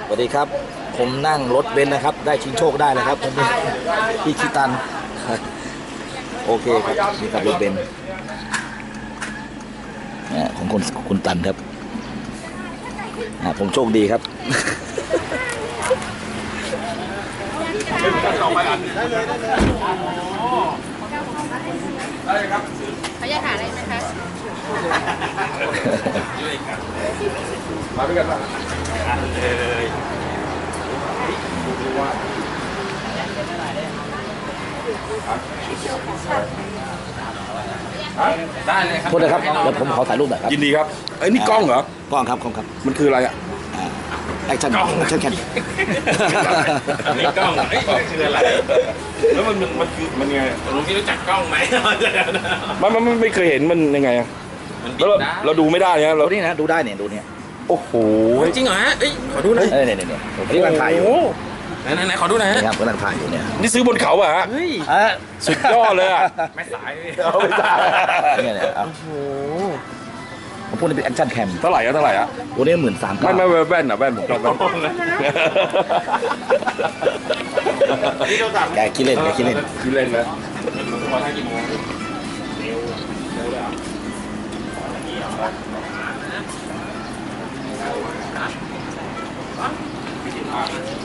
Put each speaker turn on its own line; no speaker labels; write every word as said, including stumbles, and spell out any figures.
วัสดีครับผมนั่งรถเบนซ์นะครับได้ชิงโชคได้นะครับวันนี้ที่คิตันโอเคครับนี่ครับรถเบนซ์ของคนคุณตันครับผมโชคดีครับ
ได้ครับเขาอยากหาอะไรไหมคะมาด้วยกันป่ะเลยได้เลยครับ
โทษนะครับเดี๋ยวผมขอถ่ายรูปหน่อยครับ
ยินดีครับไอ้นี่กล้องเหรอก
ล้องครับกล้องครับ
มันคืออะไรอ่ะ
แอคชั่นแอคชั่นแคน
นี่กล้องเอ้ยคืออะไร
แล้วมันมันมันคือมันไง
ลุงพี่รู้จักกล้องไหม
มันมันไม่เคยเห็นมันยังไงอ่ะ
มันบิ
แล้ว
ด
เรา
ได้
เราดูไม่ได้เนี่ยเรา
ดูนี่นะดูได้เนี่ยดูเนี่ย
โอ้โห
จริงเหรอฮะเอ้ยขอดูหน่อย
เออเนี่ยเนี่ยเนี่ยผมกำลังถ่ายอยู่
โอ้โห
ไหนไหนไหนขอดูหน่อยฮะ
นี่ครับกำลังถ่ายอยู่เนี่ย
นี่ซื้อบนเขาอ่ะฮะ
เฮ้ย
อ่ะ
สุดยอดเลยอ่ะ
ไม่สายเลย
เอาไม่ได้
เนี่ยเนี่ยเอา
โอ้โห
ผมพูดนี่เป็นแอคชั่นแคม
เท่าไหร่อะเท่าไหร่อะ
ตัวนี้หมื่นสาม
ไม่ไม่แว่นอ่ะแว่นผมชอบแว่น
แกคิดเล่นแกคิดเล่น
ที่เล่นนะ
มาทางกี่โมงเ